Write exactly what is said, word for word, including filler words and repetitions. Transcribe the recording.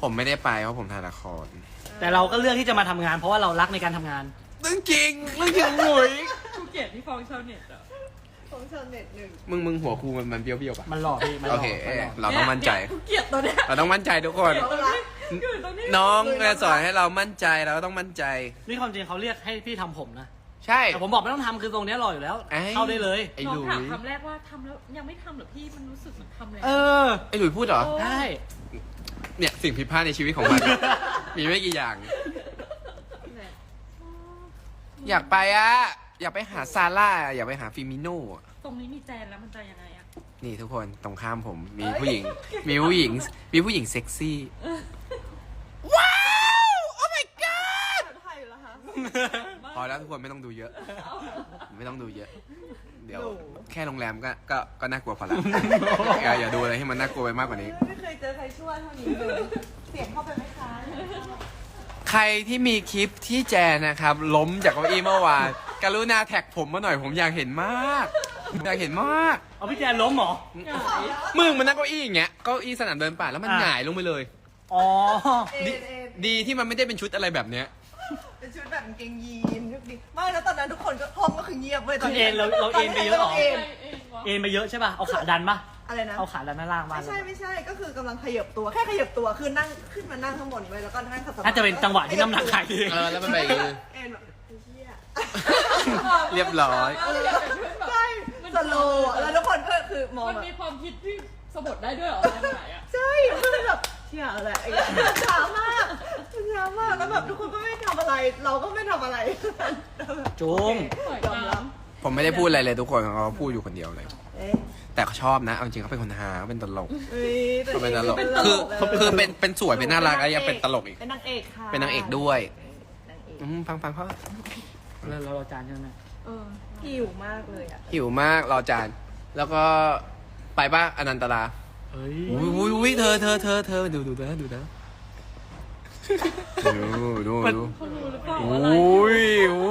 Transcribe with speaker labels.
Speaker 1: ผมไม่ได้ไปเพราะผมถ่ายละคร
Speaker 2: แต่เราก็เลือกที่จะมาทำงานเพราะว่าเรารักในการทำงาน
Speaker 1: เรื่องจริงเรื่องจริงหนุ่ย
Speaker 3: กูเกลียดที่ฟ้องชาวเน็ตอ่ะ
Speaker 4: ของชาวเน็ตหนึ่ง
Speaker 1: มึงมึงหัวครูมันมันเบี้ยวเบี้ยวป่ะ
Speaker 2: มันหล่อพี่มันห
Speaker 1: โอ
Speaker 2: ล่อ
Speaker 1: เค
Speaker 2: มันหล่อ
Speaker 1: เราต้องมั่นใจ
Speaker 3: กูเกลียดตัวเนี้ย
Speaker 1: เราต้องมั่นใจทุกคน
Speaker 3: เกลียดตัวนี้อยู่ตรงนี้
Speaker 1: น้องจะสอนให้เรามั่นใจเราก็ต้องมั่นใจ
Speaker 2: นี่ความจริงเขาเรียกให้พี่ทำผมนะ
Speaker 1: ใช่
Speaker 2: แต่ผมบอกไม่ต้องทำคือตรงเนี้ยหล่ออยู่แล้ว
Speaker 1: ไอ้
Speaker 2: เข้าได้เลย
Speaker 1: ไอ้
Speaker 3: น้อ
Speaker 1: ห
Speaker 3: ง
Speaker 1: ลุ
Speaker 3: ถาม
Speaker 1: ย
Speaker 3: คำแรกว่าทำแล้วยังไม่ทำเหรอพี่มันรู้สึกเหมือนทำแล้ว
Speaker 2: เออ
Speaker 1: ไอ้หลุยพูดเหรอ
Speaker 2: ได้
Speaker 1: เนี่ยสิ่งผิดพลาดในชีวิตของมัน มีไม่กี่อย่าง อยากไปอะอยากไปหาซาร่าอยากไปหาฟิมิโน่อะ
Speaker 3: ตรงนี้มีแจนแล้วมันจะยังไงอ่ะ
Speaker 1: นี่ทุกคนตรงข้ามผมมีผู้หญิง มีผู้หญิง มีผู้หญิงเซ็กซี่ ว้าว โอ้ my god
Speaker 4: ไทยเหรอคะ
Speaker 1: พอแล้วทุกคนไม่ต้องดูเยอะ ไม่ต้องดูเยอะ เดี๋ยวแค่โรงแรมก็ก็ก็น่ากลัวพอละอย่าอย่าดูอะไรให้มันน่ากลัวไปมากกว่านี้
Speaker 4: ไม่เคยเจอใครช่วยเท่านี้เลยเสียงเข้าไปไหมคะ
Speaker 1: ใครที่มีคลิปที่แจนนะครับ ล้มจากเก้าอี้เมื่อวานกรุณาแท็กผมมาหน่อยผมอยากเห็นมากอยากเห็นมาก
Speaker 2: เอาพี่แจนล้มเหรอ
Speaker 1: มึงมันนั่งเก้าอี้อย่างเงี้ยเก้าอี้สนามเดินป่าแล้วมัน
Speaker 2: อ่ะ
Speaker 1: หงายลงไปเลย
Speaker 2: อ๋อ
Speaker 4: เอ็
Speaker 1: ดี
Speaker 4: นเอ็น
Speaker 1: ดีที่มันไม่ได้เป็นชุดอะไรแบบเนี้ย
Speaker 4: เป็นชุดแบบกางเกงยีนชุดดีไม่แล้วตอนนั้นทุกคนก็ห้องก็คือเงียบเว้ยตอน
Speaker 2: คือเอ็นเราเราเอ็นไปเยอะเหรอ
Speaker 4: เอ็น
Speaker 3: เองวะ
Speaker 2: เอ็นไปเยอะใช่ป่ะ เอาขาดันป่ะ
Speaker 4: อะไรนะ
Speaker 2: เอาขาดันด้านล่างมา
Speaker 4: ไม่ใช่ไม่ใช่ก็คือกำลังขยับตัวแค่ขยับตัวคือนั่งขึ้นมานั่งข้างบนไว้แล้วก็นั่งขัดสมาธิ
Speaker 2: น่าจะเป็นจังหวะที่น้ำหนักหายเอง
Speaker 1: เออแล้วมันไปอย่างงี้
Speaker 4: เอ็นแบบไอ้เหี้ย
Speaker 1: เรียบร้อย
Speaker 4: เออใช่สโลว์อะแล้วทุกคนก็คือมอง
Speaker 3: มัน
Speaker 4: แบบ
Speaker 3: มีความคิดที่สะบัดได้ด้วยเหรอตอนไหนอ่ะ
Speaker 4: ใช่คือแบบเชี่ยอะไรไอ้เหี้ยช้ามากช้ามากแล้วแบบทุกคนก็ไม่ทำอะไร เราก็ไม่ทำอะไร
Speaker 2: จุง
Speaker 4: ยอมรับ
Speaker 1: ผมไม่ได้พูดอะไรเลยทุกคนเขาพูดอยู่คนเดียวเลย
Speaker 4: เอ๊ะ
Speaker 1: แต่เขาชอบนะเอาจริงเขาเป็นคนฮาเขาเป็นตลก
Speaker 4: เอ้ยแต่
Speaker 1: เขาเป็นตลก
Speaker 4: เป็น
Speaker 1: คือ
Speaker 4: เลย
Speaker 1: คือเป็นเป็นสวยเป็นน่ารักแล้วยังเป็นตลกอีก
Speaker 4: เป็นนางเอกค่ะ
Speaker 1: เป็นนางเอกด้วย
Speaker 4: นางเอก
Speaker 1: อืมฟังฟังเขา
Speaker 2: เราเราเราจานใช่ไหม
Speaker 4: เออหิวมากเลยอ่ะ
Speaker 1: หิวมากรอจาน แล้วก็ไปป่ะอนันตลา
Speaker 2: เฮ้ย
Speaker 1: อุ้ยอุ้ยอุ้ยเธอเธอเธอเธอดูดูนะดูนะดูดูดู
Speaker 3: เขารู้หรือเปล่า
Speaker 1: อ
Speaker 3: อะไร
Speaker 1: ุ้ยอ